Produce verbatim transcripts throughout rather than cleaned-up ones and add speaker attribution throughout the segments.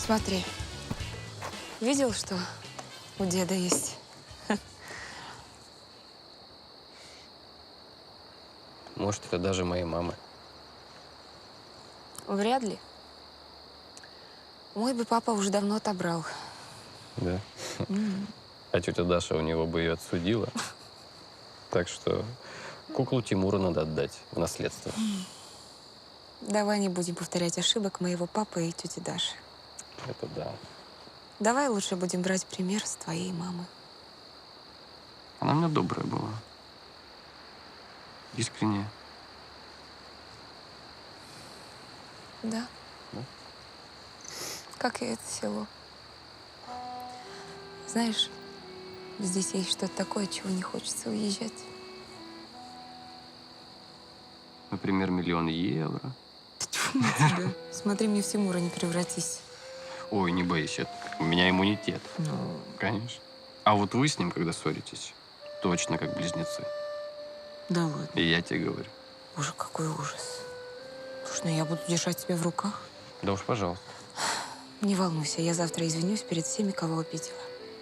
Speaker 1: Смотри. Видел, что у деда есть?
Speaker 2: Может, это даже моей мамы.
Speaker 1: Вряд ли. Мой бы папа уже давно отобрал.
Speaker 2: Да?
Speaker 1: Mm.
Speaker 2: А тетя Даша у него бы ее отсудила. Так что куклу Тимура надо отдать в наследство.
Speaker 1: Давай не будем повторять ошибок моего папы и тети Даши.
Speaker 2: Это да.
Speaker 1: Давай лучше будем брать пример с твоей мамы.
Speaker 2: Она у меня добрая была. Искренняя.
Speaker 1: Да.
Speaker 2: Да?
Speaker 1: Как и это село. Знаешь, здесь есть что-то такое, от чего не хочется уезжать.
Speaker 2: Например, миллион евро.
Speaker 1: Тьфу на тебя. Смотри, мне в Тимура не превратись.
Speaker 2: Ой, не бойся, у меня иммунитет.
Speaker 1: Ну,
Speaker 2: Конечно. А вот вы с ним, когда ссоритесь, точно как близнецы.
Speaker 1: да ладно.
Speaker 2: И я тебе говорю.
Speaker 1: Боже, какой ужас. Слушай, ну я буду держать тебя в руках.
Speaker 2: Да уж, пожалуйста.
Speaker 1: Не волнуйся, я завтра извинюсь перед всеми, кого обидела.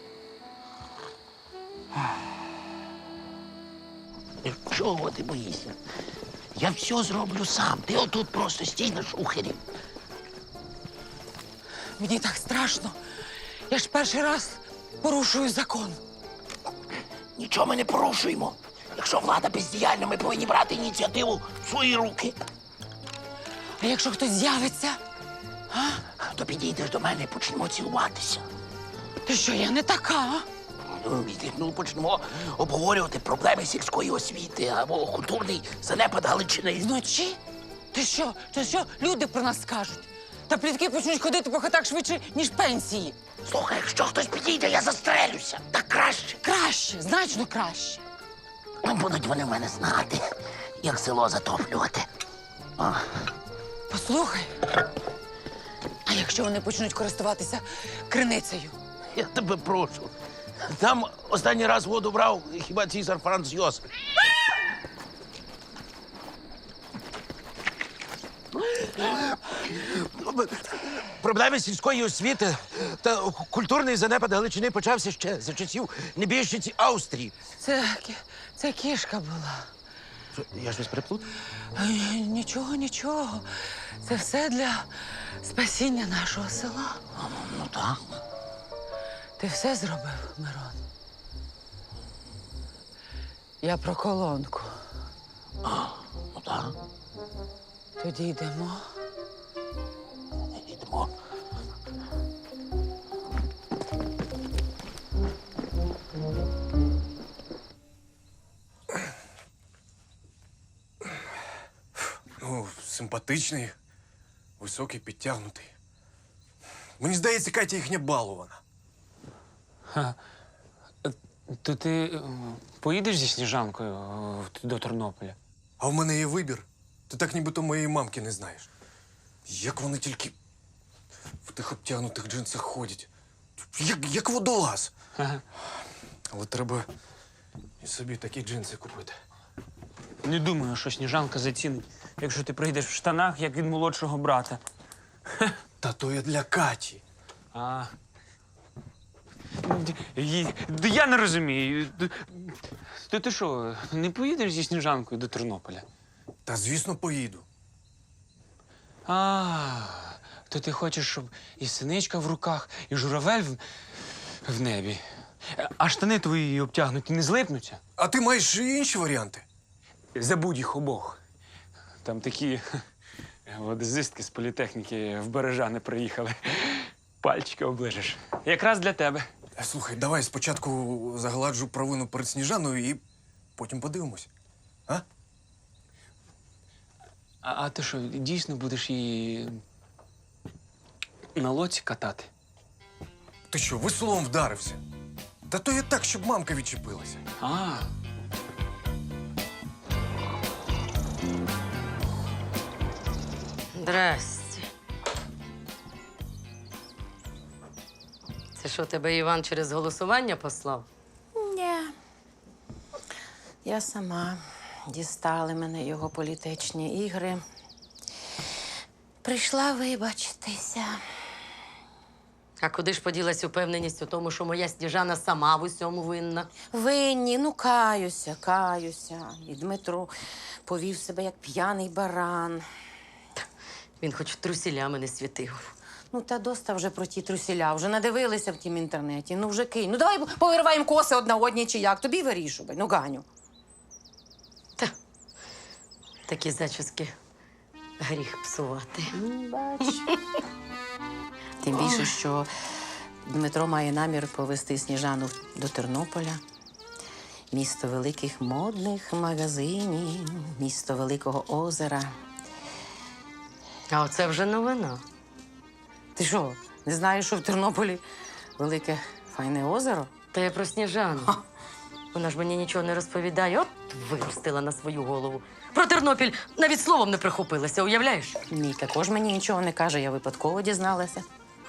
Speaker 3: Чого ти боїшся? Я все зроблю сам. Ти отут просто стій на шухері.
Speaker 4: Мені так страшно. Я ж перший раз порушую закон.
Speaker 3: Нічого ми не порушуємо. Якщо влада бездіяльна, ми повинні брати ініціативу в свої руки.
Speaker 4: А якщо хтось з'явиться,
Speaker 3: То підійдеш до мене і почнемо цілуватися.
Speaker 4: то що, я не така, а?
Speaker 3: Ну, ну, почнемо обговорювати проблеми сільської освіти або культурний занепад Галичини.
Speaker 4: Вночі? Ти що? То що люди про нас скажуть? Та плітки почнуть ходити по хатах швидше, ніж пенсії.
Speaker 3: Слухай, якщо хтось підійде, я застрелюся. Так краще.
Speaker 4: Краще, значно краще.
Speaker 3: Ну, будуть вони в мене знати, як село затоплювати. О.
Speaker 4: Послухай, а якщо вони почнуть користуватися криницею?
Speaker 3: Я тебе прошу. Там останній раз воду брав хіба цісар Франц Йосиф. Проблеми сільської освіти та культурний занепад Галичини почався ще за часів небіжчиці Австрії.
Speaker 4: Це, кі- це кішка була.
Speaker 3: Я ж вас переплутав?
Speaker 4: Ай, Нічого, нічого. Це все для спасіння нашого села.
Speaker 3: Ну так.
Speaker 4: Ти все зробив, Мирон? Я про колонку.
Speaker 3: Ну так.
Speaker 4: Тоді йдемо.
Speaker 3: Йдемо.
Speaker 5: Ну, симпатичний, високий, підтягнутий. Мені здається, Катя їхня балована.
Speaker 6: То ти е, поїдеш зі Сніжанкою е, до Тернополя?
Speaker 5: А в мене є вибір. Ти так нібито моєї мамки не знаєш. Як вони тільки в тих обтягнутих джинсах ходять. Як, як водолаз.
Speaker 6: Ага.
Speaker 5: Але треба і собі такі джинси купити.
Speaker 6: Не думаю, що Сніжанка зацінить, якщо ти прийдеш в штанах, як від молодшого брата.
Speaker 5: Та то я для Каті.
Speaker 6: А. Ї- д- Я не розумію. Д- То ти що, не поїдеш зі Сніжанкою до Тернополя?
Speaker 5: Та, звісно, поїду.
Speaker 6: А, то ти хочеш, щоб і синичка в руках, і журавель в, в небі. А штани твої обтягнуті не злипнуться?
Speaker 5: А ти маєш і інші варіанти?
Speaker 6: Забудь їх обох. Там такі водозистки з політехніки в Бережани приїхали. Пальчики оближеш. Якраз для тебе.
Speaker 5: Е, Слухай, давай спочатку загладжу провину перед Сніжаною і потім подивимось. А?
Speaker 6: А, а ти що, дійсно будеш її на лоці катати?
Speaker 5: Ти що, веслом вдарився? Та то я так, щоб мамка відчепилася.
Speaker 6: А,
Speaker 7: Здрасте. Це що, тебе Іван через голосування послав?
Speaker 8: Ні. Я сама. Дістали мене його політичні ігри. Прийшла вибачитися.
Speaker 7: А куди ж поділась упевненість у тому, що моя Сніжана сама в усьому винна?
Speaker 8: Винні, ну каюся, каюся. І Дмитро повів себе як п'яний баран.
Speaker 7: Він хоч трусілями не світив.
Speaker 8: Ну, та доста вже про ті трусіля, вже надивилися в тім інтернеті. Ну, вже кинь. Ну, давай повириваємо коси одна одній чи як. Тобі вирішувай. Ну, Ганю.
Speaker 7: Та такі зачіски гріх псувати.
Speaker 8: Бач. Тим більше, що Дмитро має намір повезти Сніжану до Тернополя. Місто великих модних магазинів, місто Великого озера.
Speaker 7: А оце вже новина.
Speaker 8: Ти що, не знаєш, що в Тернополі велике файне озеро?
Speaker 7: Та я про Сніжану. Вона ж мені нічого не розповідає. От виростила на свою голову. Про Тернопіль навіть словом не прихопилася, уявляєш?
Speaker 8: Мій також мені нічого не каже, я випадково дізналася.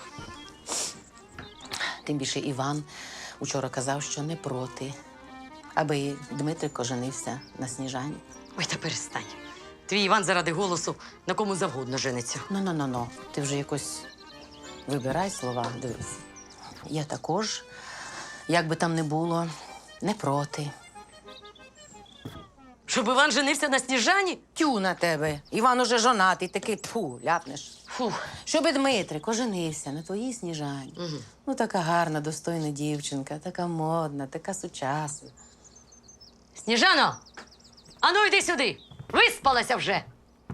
Speaker 8: Тим більше Іван учора казав, що не проти, аби Дмитрик оженився на Сніжані.
Speaker 7: Ой, та перестань. Твій Іван заради голосу на кому завгодно жениться.
Speaker 8: Ну-ну-ну-ну, ти вже якось вибирай слова, дивись. Я також, як би там не було, не проти.
Speaker 7: Щоб Іван женився на Сніжані?
Speaker 8: Тю на тебе. Іван уже жонатий, такий тфу, ляпнеш.
Speaker 7: Фух.
Speaker 8: Щоби Дмитрик оженився на твоїй Сніжані.
Speaker 7: Угу.
Speaker 8: Ну, така гарна, достойна дівчинка, така модна, така сучасна.
Speaker 7: Сніжано! Ану, йди сюди! Виспалася вже!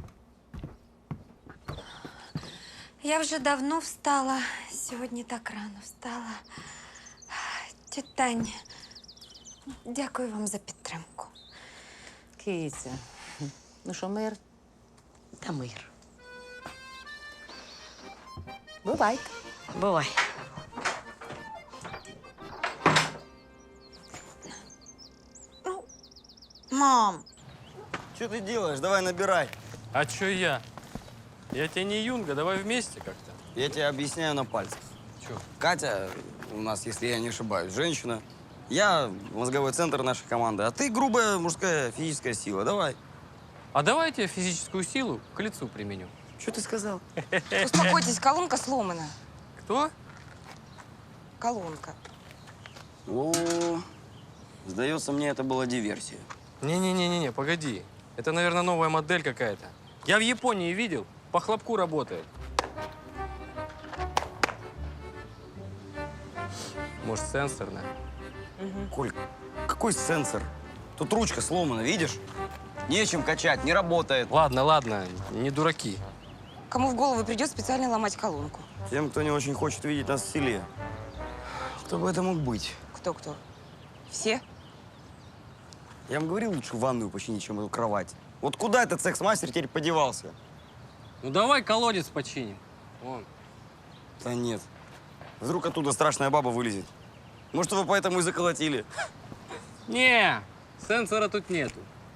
Speaker 1: Я вже давно встала. Сьогодні так рано встала. Тьотя Тань, дякую вам за підтримку.
Speaker 8: Киця. Ну що, мир?
Speaker 7: Та мир.
Speaker 8: Бувайте.
Speaker 7: Бувай.
Speaker 1: Мам,
Speaker 9: Что ты делаешь? Давай набирай.
Speaker 2: А чё я? Я тебе не Юнга, давай вместе как-то.
Speaker 9: Я тебе объясняю на пальцах.
Speaker 2: Чё?
Speaker 9: Катя у нас, если я не ошибаюсь, женщина. Я мозговой центр нашей команды, а ты грубая мужская физическая сила. Давай.
Speaker 2: А давай я тебе физическую силу к лицу применю.
Speaker 9: Что ты сказал?
Speaker 1: успокойтесь, колонка сломана.
Speaker 2: Кто?
Speaker 1: Колонка.
Speaker 9: О, сдается мне, это была диверсия.
Speaker 2: Не-не-не-не, погоди. Это, наверное, новая модель какая-то. Я в Японии видел, по хлопку работает. Может, сенсорная?
Speaker 9: Коль, какой сенсор? Тут ручка сломана, видишь? Нечем качать, не работает.
Speaker 2: Ладно, ладно, не дураки.
Speaker 1: Кому в голову придет специально ломать колонку?
Speaker 9: Тем, кто не очень хочет видеть нас в селе. Кто бы это мог быть?
Speaker 1: Кто-кто? Все?
Speaker 9: Я вам говорил, лучше ванную починить, чем эту кровать. Вот куда этот секс-мастер теперь подевался?
Speaker 2: Ну давай колодец починим. Вон.
Speaker 9: Да нет. Вдруг оттуда страшная баба вылезет. Может, вы поэтому и заколотили?
Speaker 2: Не, сенсора тут нету.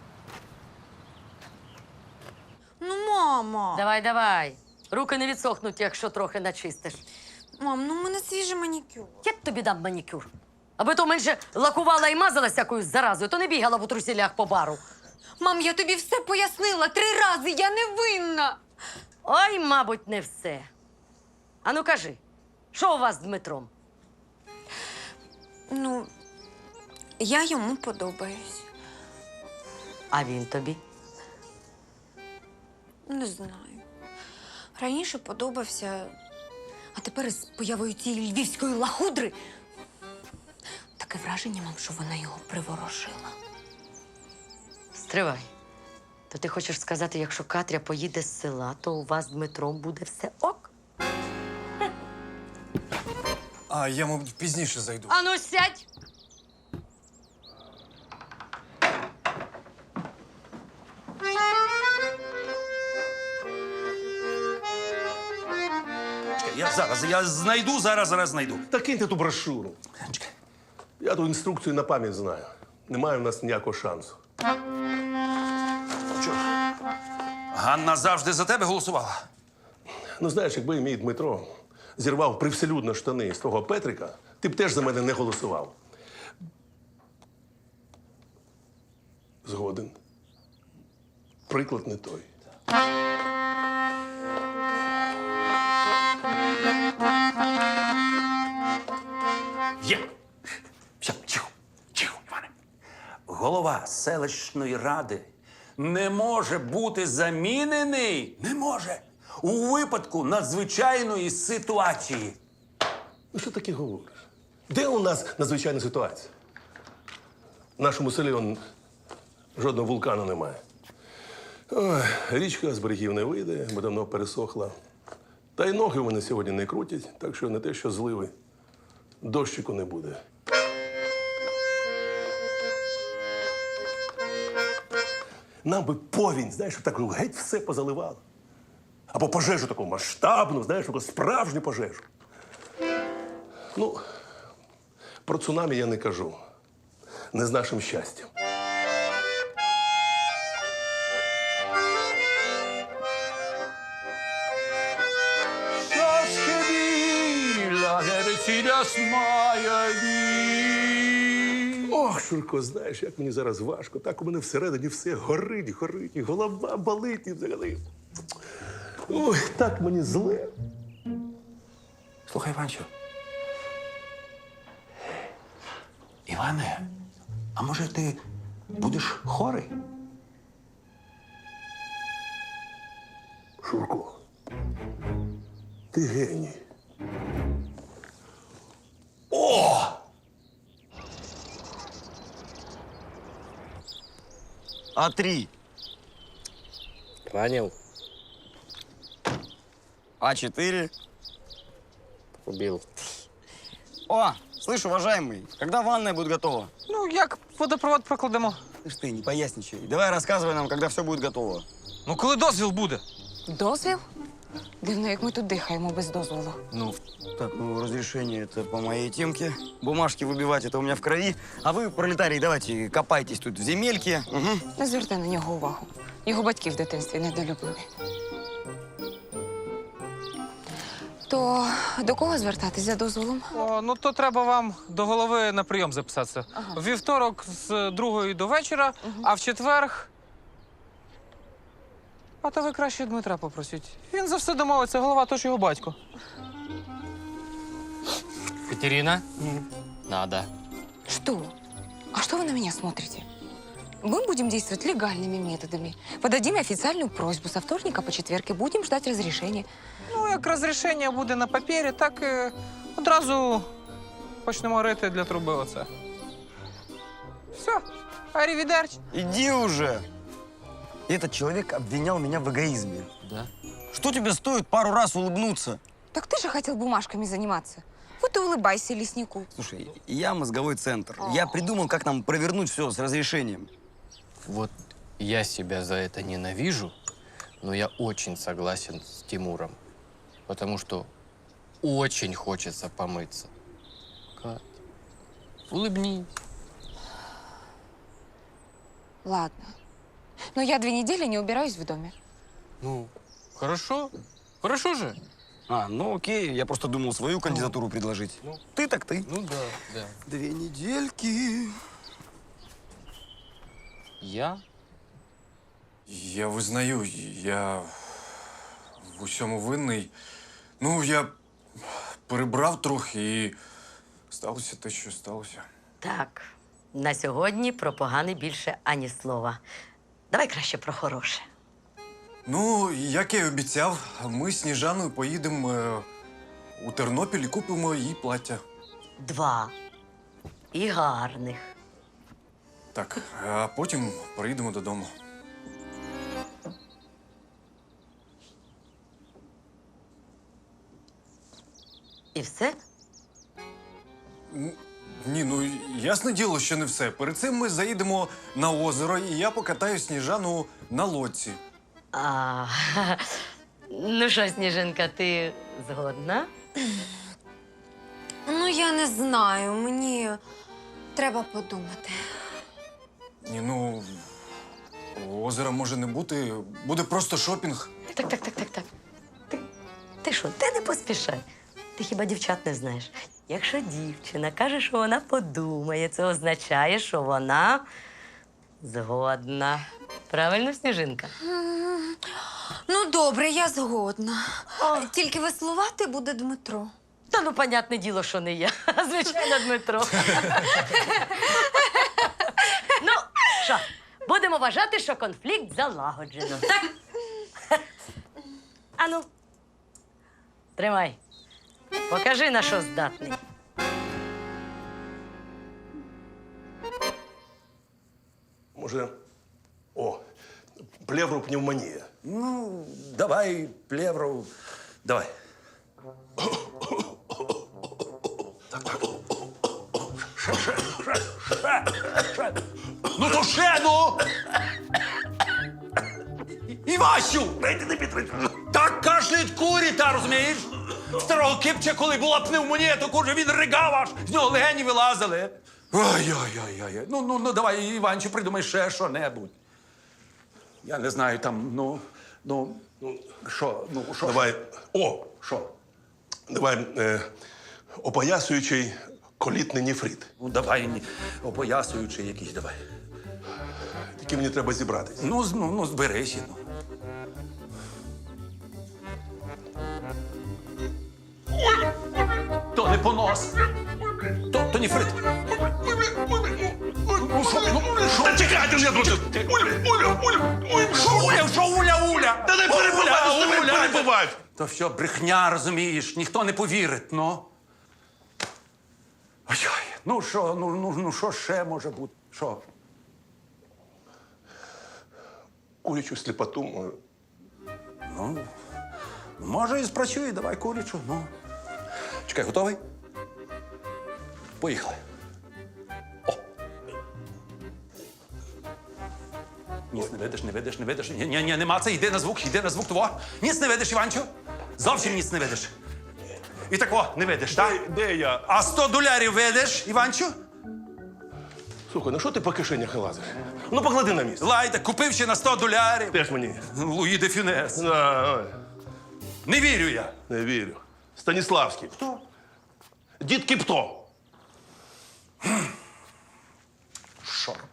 Speaker 1: Ну, мама.
Speaker 7: Давай, давай. Руки не відсохнуть, якщо трохи начистиш.
Speaker 1: Мам, ну у мене свіжий манікюр.
Speaker 7: Я тобі дам манікюр. Аби то менше лакувала і мазалась якоюсь заразою, то не бігала в трусілях по бару.
Speaker 1: Мам, я тобі все пояснила три рази, я не винна.
Speaker 7: Ой, мабуть, не все. Ану кажи, що у вас з Дмитром?
Speaker 1: Ну, я йому подобаюсь.
Speaker 7: А він тобі?
Speaker 1: Не знаю. Раніше подобався, а тепер з появою цієї львівської лахудри таке враження, мам, що вона його приворожила.
Speaker 7: Стривай. То ти хочеш сказати, якщо Катря поїде з села, то у вас з Дмитром буде все ок?
Speaker 5: А я, мабуть, пізніше зайду.
Speaker 7: Ану, сядь!
Speaker 3: Я зараз, я знайду, зараз, зараз знайду.
Speaker 10: Та киньте ту брошуру. Я ту інструкцію на пам'ять знаю. Немає в нас ніякого шансу.
Speaker 3: Що? Ганна завжди за тебе голосувала.
Speaker 10: Ну, знаєш, якби мій Дмитро зірвав привселюдно штани з того Петрика, ти б теж за мене не голосував. Згоден. Приклад не той.
Speaker 11: Є. Все, тихо, тихо, Іване. Голова селищної ради не може бути замінений. Не може. У випадку надзвичайної ситуації.
Speaker 10: Ну що таке говориш? Де у нас надзвичайна ситуація? В нашому селі он, жодного вулкану немає. Ой, річка з берегів не вийде, бо давно пересохла. Та й ноги вони сьогодні не крутять, так що не те, що зливи. Дощику не буде. Нам би повінь, знаєш, так геть все позаливало. Або пожежу таку масштабну, знаєш, таку справжню пожежу. Ну, про цунамі я не кажу. Не з нашим щастям. Ох, Шурко, знаєш, як мені зараз важко. Так у мене всередині все горить, горить, і голова болить і взагалі. Ой, так мені зле.
Speaker 11: Слухай, Іванчо. Іване, а може ти будеш хорий?
Speaker 10: Шурко, ти геній.
Speaker 11: О!
Speaker 9: А три.
Speaker 2: Ранил,
Speaker 9: А четыре.
Speaker 2: убил.
Speaker 9: О, слышь, уважаемый, когда ванная будет готова?
Speaker 4: Ну, як водопровод прокладемо?
Speaker 9: Слышь ты, не поясничай. Давай рассказывай нам, когда все будет готово.
Speaker 4: Ну, коли дозвіл буде?
Speaker 1: Дозвіл? Дивно, як ми тут дихаємо без дозволу.
Speaker 9: Ну, так, ну, разрешение это по моей темке. Бумажки выбивать это у меня в крови. А вы, пролетарии, давайте копайтесь тут в земельке. Угу.
Speaker 1: Не звертай на нього увагу. Його батьки в дитинстві недолюбливі. То до кого звертатись за дозволом?
Speaker 4: О, ну то треба вам до голови на прийом записатися.
Speaker 1: Ага.
Speaker 4: В вівторок з другої до вечора, а в четверг. А то ви краще Дмитра попросіть. Він за все домовиться, голова, то ж його батько.
Speaker 2: Катерина? Надо.
Speaker 1: Что? А что вы на меня смотрите? Мы будем действовать легальными методами. Подадим официальную просьбу. Со вторника по четверг и будем ждать разрешения.
Speaker 4: Ну, як розрішення буде на папері, так і одразу почнемо рити для труби оце. Все, арівідерч.
Speaker 9: Иди уже. Этот человек обвинял меня в эгоизме.
Speaker 2: Да?
Speaker 9: Что тебе стоит пару раз улыбнуться?
Speaker 1: Так ты же хотел бумажками заниматься. Вот и улыбайся леснику.
Speaker 9: Слушай, я мозговой центр. Я придумал, как нам провернуть все с разрешением.
Speaker 2: Вот я себя за это ненавижу, но я очень согласен с Тимуром. Потому что очень хочется помыться. Кать, улыбнись.
Speaker 1: Ладно. Но я две недели не убираюсь в доме.
Speaker 2: Ну, хорошо. Хорошо же.
Speaker 9: А, ну окей, я просто думал свою кандидатуру предложить.
Speaker 2: ну.
Speaker 9: Ты так ты.
Speaker 2: Ну да, да.
Speaker 9: Две недельки.
Speaker 2: Я?
Speaker 5: Я визнаю, я в усьому винний. Ну, я перебрав трохи і сталося те, що сталося.
Speaker 7: Так, на сьогодні про погане більше ані слова. Давай краще про хороше.
Speaker 5: Ну, як я й обіцяв, ми з Сніжаною поїдемо е, у Тернопіль і купимо їй плаття.
Speaker 7: Два. І гарних.
Speaker 5: Так, а потім приїдемо додому.
Speaker 7: І все?
Speaker 5: Ні, ну ясне діло, що не все. Перед цим ми заїдемо на озеро, і я покатаю Сніжану на лодці.
Speaker 7: А, ну що, Сніжинка, ти згодна?
Speaker 1: Ну, я не знаю. Мені треба подумати.
Speaker 5: Ні, ну озера може не бути, буде просто шопінг.
Speaker 7: Так, так, так, так, так. Ти, ти що, ти не поспішай. Ти хіба дівчат не знаєш? Якщо дівчина каже, що вона подумає, це означає, що вона згодна. Правильно, Сніжинка?
Speaker 1: Ну, добре, я згодна. Тільки веслувати буде Дмитро.
Speaker 7: Та ну, понятне діло, що не я. Звичайно, Дмитро. Ну, що, будемо вважати, що конфлікт залагоджено. Так? Ану, тримай. Покажи, на що здатний.
Speaker 10: Може, о, плевропневмонія.
Speaker 11: Ну, давай, плевру, давай. Ще, ще, ще, ще, ще. Ну то ще, ну! Івасю!
Speaker 10: Дайте не підтримку.
Speaker 11: Так кашляють курі, та розумієш? Старого Кипча, коли була пневмонія, то каже, він ригав аж, з нього легені вилазили. Ой-ой-ой-ой. Ну, ну, ну, давай, Іванчу, придумай ще що-небудь. Я не знаю, там, ну, ну, що, ну, що?
Speaker 10: Давай, о,
Speaker 11: Що?
Speaker 10: давай е, опоясуючий колітний нефрит.
Speaker 11: Ну, давай, ні, опоясуючий якийсь, давай.
Speaker 10: Тільки мені треба зібратись.
Speaker 11: Ну, з- ну, ну зберися, ну. То не понос. То, то нефрит. Ну, що, ну, що?
Speaker 10: Та чекайте, я тут. Уля, Уля, Уля, Уля.
Speaker 11: Що Уля, що Уля, Уля?
Speaker 10: Та не перебивай,
Speaker 11: Уля,
Speaker 10: не
Speaker 11: Уля.
Speaker 10: перебивай.
Speaker 11: То що, брехня, розумієш, ніхто не повірить, ну. Ой, ну що, ну, ну, ну що ще може бути? Що?
Speaker 10: Курячу сліпоту можу.
Speaker 11: Ну, може і спрацює, давай курячу, ну. Чекай, готовий? Поїхали. О! Ніс не видиш, не видиш, не видиш. Ні, ні, ні, нема це, йди на звук, йди на звук того. Ніс не видиш, Іванчо? Зовсім ніс не видиш. І тако не видиш, так?
Speaker 10: Де, де я?
Speaker 11: А сто долярів видиш, Іванчо?
Speaker 10: Слухай, ну що ти по кишенях лазиш? Ну поклади на місце.
Speaker 11: Лайда, купив ще на сто долярів.
Speaker 10: Теж мені.
Speaker 11: Луї де Фюнес.
Speaker 10: А, ой,
Speaker 11: Не вірю я.
Speaker 10: не вірю. Станіславський.
Speaker 11: Хто?
Speaker 10: Дід Кіпто.
Speaker 11: Що робити?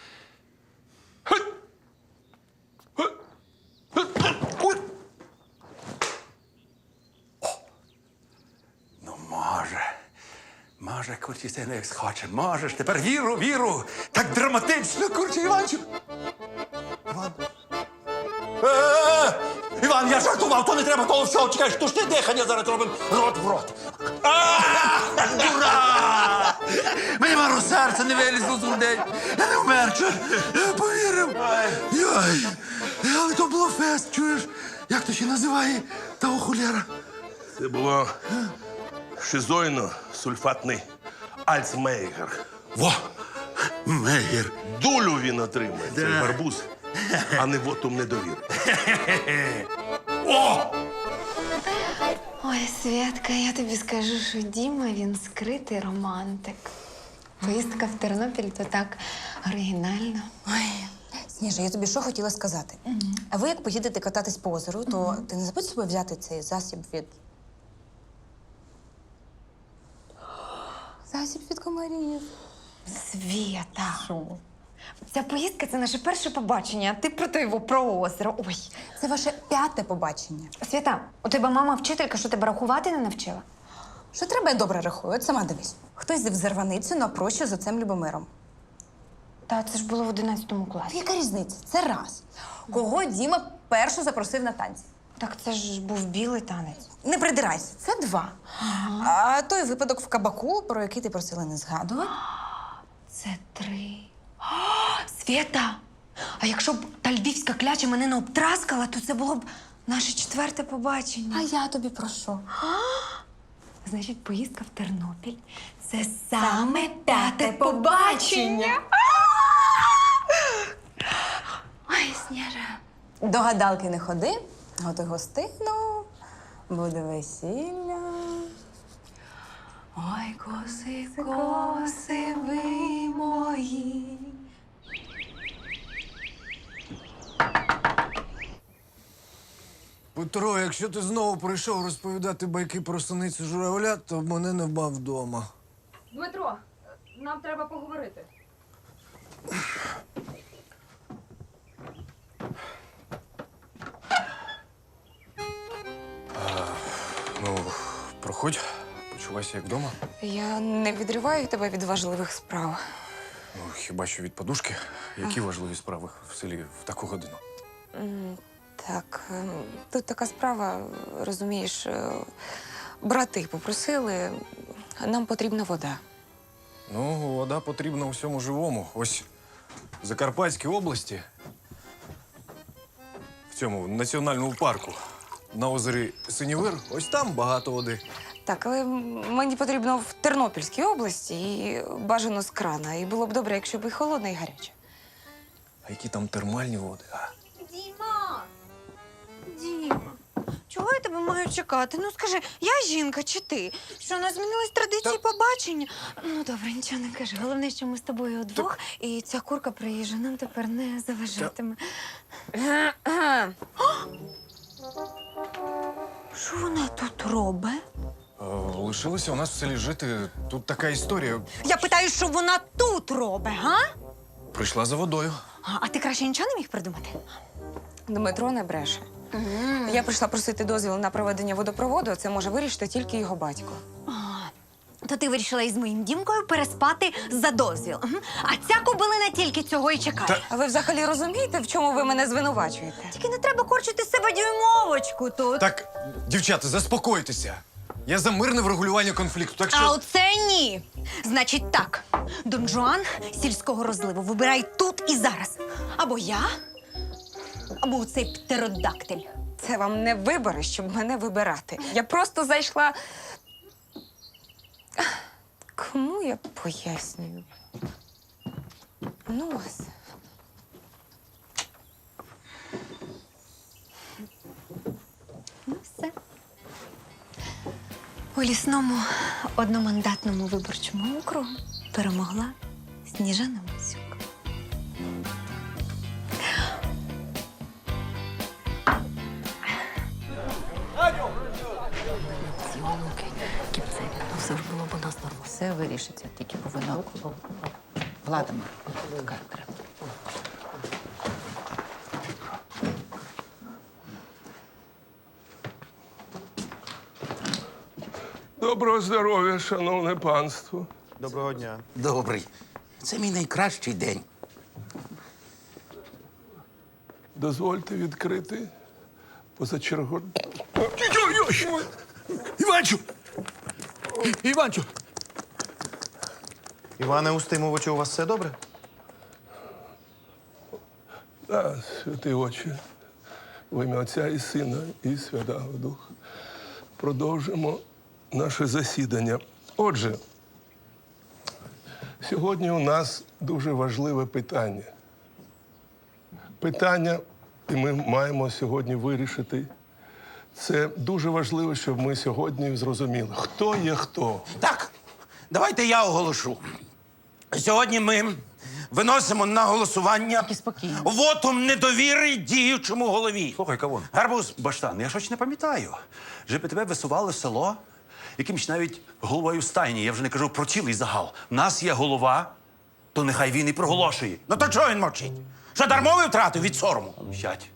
Speaker 11: Ну, може. Може, курчі, це не як схоче. Можеш. Тепер віру, віру. Так драматично, курчі, Іванчик. Іван. Е-е-е! Іван, я жартував, то не треба того всього. Чекай, штучне дихання зараз робимо рот в рот. А! Дура! Мені мару серце не вилізло з грудей. Я не вмер, чуєш? Я повірив. Йой. Але то було фест, чуєш? Як то ще називає того хуляра?
Speaker 10: Це було шизоїно-сульфатний альцмейгер.
Speaker 11: Во! Мегер.
Speaker 10: Долю він отримає, цей гарбуз, а не вотум недовіри.
Speaker 11: О!
Speaker 1: Ой, Святка, я тобі скажу, що Діма, він скритий романтик. Поїздка в Тернопіль то так оригінально.
Speaker 12: Ой, Сніжа, я тобі що хотіла сказати. А ви як поїдете кататись по озеру, то ти не забудь з собою взяти цей засіб від. Засіб від комарів.
Speaker 1: Свята. Ця поїздка це наше перше побачення, а ти про то його про озеро. Ой.
Speaker 12: Це ваше п'яте побачення.
Speaker 1: Свята, у тебе мама вчителька, що тебе рахувати не навчила?
Speaker 12: Що треба, я добре рахую, от сама дивись. Хтось зив зарваницю на прощу з отцем Любомиром.
Speaker 1: Та це ж було в одинадцятому класі.
Speaker 12: Яка різниця? Це раз. Кого Діма першу запросив на танці?
Speaker 1: Так це ж був білий танець.
Speaker 12: Не придирайся, це два. А той випадок в кабаку, про який ти просила не згадувати.
Speaker 1: Це три. О, Свята! А якщо б та львівська кляча мене не обтраскала, то це було б наше четверте побачення.
Speaker 12: А я тобі про що?
Speaker 1: Значить, поїздка в Тернопіль – це саме п'яте побачення. Ой, Сніжа.
Speaker 12: До гадалки не ходи, готуй гостину, буде весілля.
Speaker 1: Ой, коси, коси ви мої.
Speaker 5: Петро, якщо ти знову прийшов розповідати байки про синицю журавля, то мене не бав вдома.
Speaker 13: Дмитро, нам треба поговорити.
Speaker 5: Ну, проходь, почувайся як вдома?
Speaker 12: Я не відриваю тебе від важливих справ.
Speaker 5: Ну, хіба що від подушки? Які важливі справи в селі в таку годину?
Speaker 12: М, Так, ем, тут така справа, розумієш, е, брати попросили, нам потрібна вода.
Speaker 5: Ну, вода потрібна усьому живому. Ось в Закарпатській області, в цьому національному парку, на озері Синівир, ось там багато води.
Speaker 12: Так, але мені потрібно в Тернопільській області і бажано з крана. І було б добре, якщо б і холодна, і гаряча.
Speaker 5: А які там термальні води, а?
Speaker 1: Діма! Діма, чого я тебе маю чекати? Ну скажи, я жінка чи ти? Що, у нас змінились традиції побачення? Ну добре, нічого не кажи. Головне, що ми з тобою удвох, і ця курка приїжджа нам тепер не заважатиме. Що вона тут робить?
Speaker 5: Е, Лишилося у нас в селі жити. Тут така історія.
Speaker 1: Я питаю, що вона тут робить, га?
Speaker 5: Прийшла за водою.
Speaker 1: А, а ти краще нічого не міг придумати?
Speaker 12: Дмитро не бреше. Я прийшла просити дозвіл на проведення водопроводу, а це може вирішити тільки його батько.
Speaker 1: То ти вирішила із моїм дімкою переспати за дозвіл. Мгм. А ця кобилина тільки цього і чекає.
Speaker 12: А ви взагалі розумієте, в чому ви мене звинувачуєте?
Speaker 1: Тільки не треба корчити з себе дюймовочку тут.
Speaker 5: Так, дівчата, заспокойтеся. Я за мирне врегулювання конфлікту, так що...
Speaker 1: А оце ні. Значить так, Дон Жуан сільського розливу вибирай тут і зараз. Або я, або оцей птеродактиль.
Speaker 12: Це вам не вибори, щоб мене вибирати. Я просто зайшла. Кому я пояснюю? Ну вас.
Speaker 1: Ну все. У лісному одномандатному виборчому округу перемогла Сніжана Мосюк.
Speaker 8: Ці онуки, кіпцеві, ну все ж було б у нас нормально. Все вирішиться, тільки повинна влада така треба.
Speaker 10: Доброго здоров'я, шановне панство.
Speaker 3: Доброго дня. Добрий. Це мій найкращий день.
Speaker 10: Дозвольте відкрити позачергову... Ой-ой-ой! Іванчу! Іванчу!
Speaker 14: Іване Устимовичу, у вас все добре?
Speaker 10: Так, святі очі, в ім'я Отця і Сина, і Святого Духа. Продовжимо наше засідання. Отже, сьогодні у нас дуже важливе питання. Питання, і ми маємо сьогодні вирішити. Це дуже важливо, щоб ми сьогодні зрозуміли, хто є хто.
Speaker 3: Так, давайте я оголошу. Сьогодні ми виносимо на голосування вотум недовіри діючому голові.
Speaker 11: Слухай, Кавун.
Speaker 3: Гарбуз.
Speaker 11: Баштан, я щось не пам'ятаю. Щоб тебе висували в село якимсь навіть головою стайні. Я вже не кажу про цілий загал. У нас є голова, то нехай він і проголошує.
Speaker 3: Ну то чого він мовчить? Що дармовий втратив від сорому?
Speaker 11: Сядь.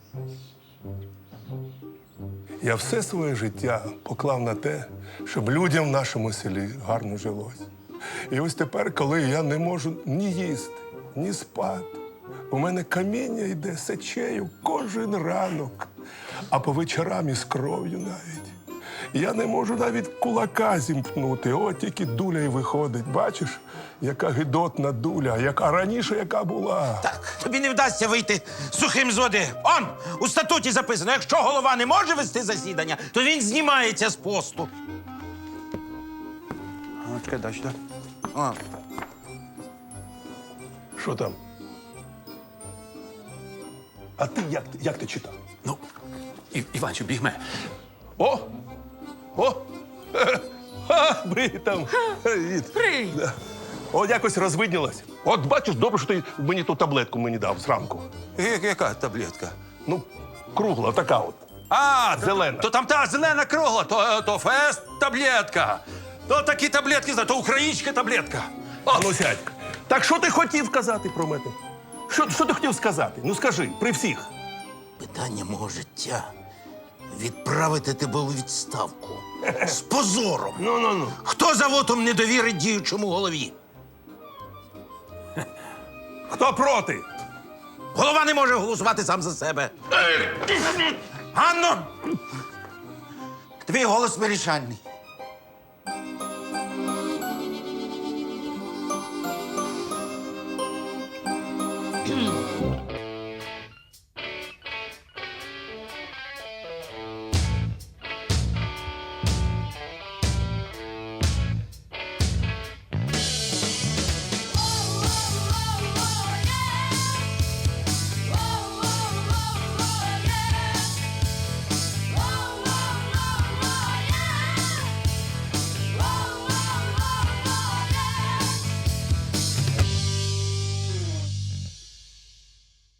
Speaker 10: Я все своє життя поклав на те, щоб людям в нашому селі гарно жилось. І ось тепер, коли я не можу ні їсти, ні спати, у мене каміння йде сечею кожен ранок, а по вечорам із кров'ю навіть. Я не можу навіть кулака зімкнути, от тільки дуля й виходить. Бачиш, яка гидотна дуля, яка раніше яка була.
Speaker 3: Так, тобі не вдасться вийти сухим з води. Он, у статуті записано, якщо голова не може вести засідання, то він знімається з посту.
Speaker 11: А, чекай, дай сюди.
Speaker 3: О.
Speaker 10: Що там? А ти як, як ти читав?
Speaker 11: Ну, І, Іванчу, бігме.
Speaker 10: О! О! Ха, Привіт там. Привіт.
Speaker 12: Привіт.
Speaker 10: Да. От якось розвиднілось. От бачиш, добре, що ти мені ту таблетку мені дав зранку.
Speaker 11: Я- Яка таблетка?
Speaker 10: Ну, кругла, така от.
Speaker 11: А,
Speaker 10: Зелена.
Speaker 11: То, то там та зелена кругла, то, то фест таблетка. То такі таблетки, то українська таблетка.
Speaker 10: А ну сядь. Так що ти хотів сказати про мене? Що, що ти хотів сказати? Ну скажи, при всіх.
Speaker 3: Питання мого життя відправити тебе у відставку. З позором.
Speaker 10: Ну, ну, ну.
Speaker 3: Хто за вотом недовіри діючому голові?
Speaker 10: Хто проти?
Speaker 3: Голова не може голосувати сам за себе. Ганно! Твій голос вирішальний.